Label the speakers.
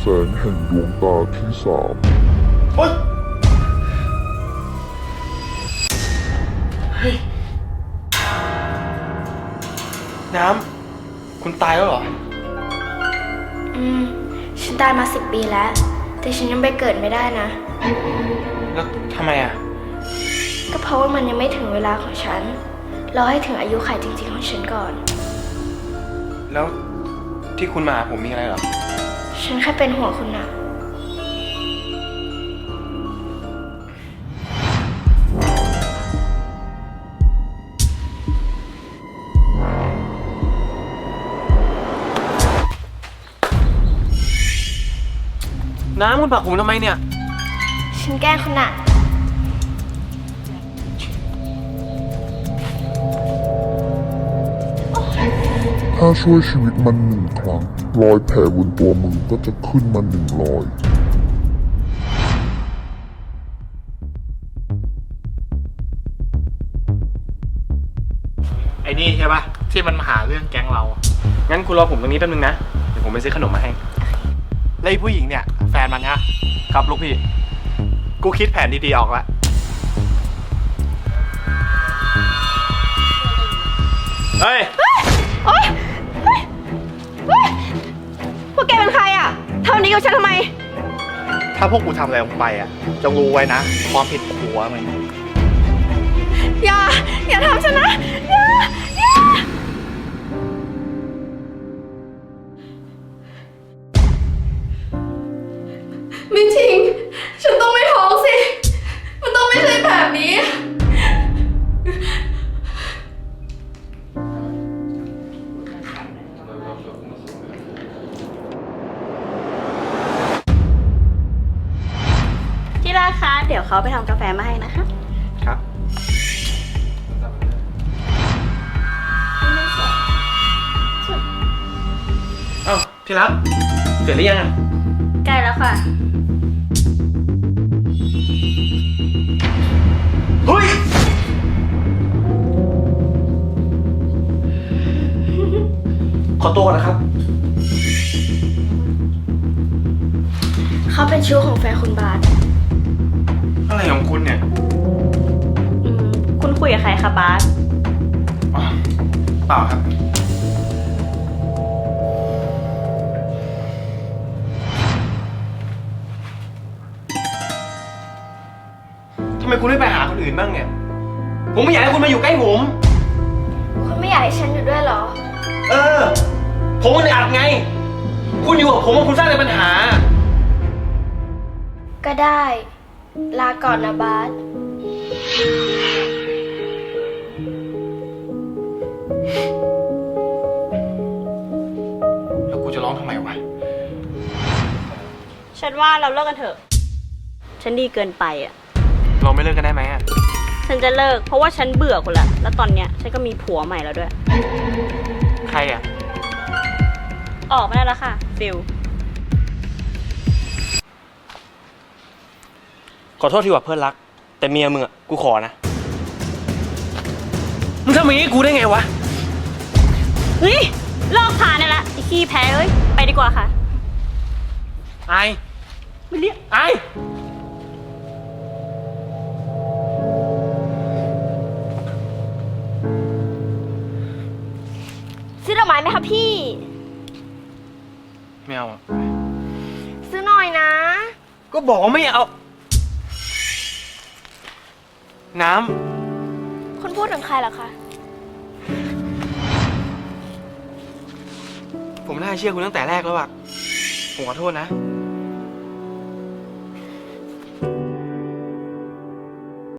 Speaker 1: งแห่งดวงตาที่สาม
Speaker 2: เฮ้ยน้ำคุณตายแล้วเหรอ
Speaker 3: ฉันตายมา10 ปีแล้ว แต่ฉันยังไปเกิดไม่ได้นะ
Speaker 2: แล้วทำไมอ่ะ
Speaker 3: ก็เพราะว่ามันยังไม่ถึงเวลาของฉัน รอให้ถึงอายุขัยจริงๆของฉันก่อน
Speaker 2: แล้วที่คุณมาหาผมมีอะไรเหรอ
Speaker 3: ฉันแค่เป็นห่วงคุณนะ
Speaker 2: น้ำคุณผลักผมทำไมเนี่ย
Speaker 3: ฉันแกล้งคุณนะ
Speaker 1: ถ้าช่วยชีวิตมัน1 ครั้งรอยแผลบนตัวมึงก็จะขึ้นมา1 รอย
Speaker 4: ไอ้นี่ใช่ปะที่มันมาหาเรื่องแก๊งเรา
Speaker 2: งั้นคุณรอผมตรงนี้แป๊บนึงนะ เดี๋ยวผมไปซื้อขนมมาให้
Speaker 4: แล้วไอ้ผู้หญิงเนี่ยแฟนมันนะครับ
Speaker 2: ลูกพี่
Speaker 4: กูคิดแผนดีๆออกแล้วเฮ้ย
Speaker 5: โอ๊ยเฮ้ยเฮ้ยพวกแกเป็นใครอ่ะทำแบบนี้กับฉันทำไม
Speaker 4: ถ้าพวกกูทำอะไรลงไปจงรู้ไว้นะ ความผิดหัวมัน
Speaker 5: อย่าทำฉันนะ อย่าไม่จริง ฉันต้องไม่ท้องสิ มันต้องไม่ใช่แบบนี้ ที่รักคะเดี๋ยวเขาไปทำกาแฟมาให้นะคะ
Speaker 2: ครับ เอ้าที่รักเสร็จหรือยังอ่ะ
Speaker 5: ใกล้แล้วค่ะ
Speaker 2: เฮ้ย ขอตัวก่อนนะครับ
Speaker 3: เขาเป็นชู้ของแฟนคุณบาส
Speaker 2: อะไรของคุณเนี่ย
Speaker 5: คุณคุยกับใครคะบาส
Speaker 2: อ๋อเปล่าครับ ทำไมคุณไม่ไปหาคนอื่นบ้างเนี่ย ผมไม่อยากให้คุณมาอยู่ใกล้ผม
Speaker 3: คุณไม่อยากให้ฉันอยู่ด้วยเหรอ
Speaker 2: เออ ผมมันอัดไง คุณอยู่กับผมคุณสร้างแต่ปัญหา
Speaker 3: ก็ได้ ลาก่อนนะบาส
Speaker 2: แล้วกูจะร้องทำไมวะ
Speaker 5: ฉันว่าเราเลิกกันเถอะ ฉันดีเกินไปอ่ะ
Speaker 2: เราไม่เลิกกันได้ไหมอ่ะ
Speaker 5: ฉันจะเลิกเพราะว่าฉันเบื่อคุณละ แล้วตอนเนี้ยฉันก็มีผัวใหม่แล้วด้วย
Speaker 2: ใครอ่ะ
Speaker 5: ออกมาได้แล้วค่ะ ฟิล
Speaker 2: ขอโทษที่ว่าเพื่อนรัก แต่เมียมึงอ่ะ กูขอนะ มึงทำอย่างนี้กูได้ไงวะ
Speaker 5: เฮ้ยเลิกพาเนี่ยละไอ้ขี้แพ้เอ้ย ไปดีกว่าค่ะ
Speaker 2: ไอ
Speaker 5: ไม่เรียก
Speaker 2: ไอ
Speaker 3: ซื้อดอกไม้ไหมคะพี่
Speaker 2: ไม่เอาอ่ะ
Speaker 3: ซื้อหน่อยนะ
Speaker 2: ก็บอกว่าไม่เอา น้
Speaker 3: คุณพูดถึงใครเหรอคะ
Speaker 2: ำ ผมน่าเชื่อคุณตั้งแต่แรกแล้วอ่ะ ผมขอโทษนะ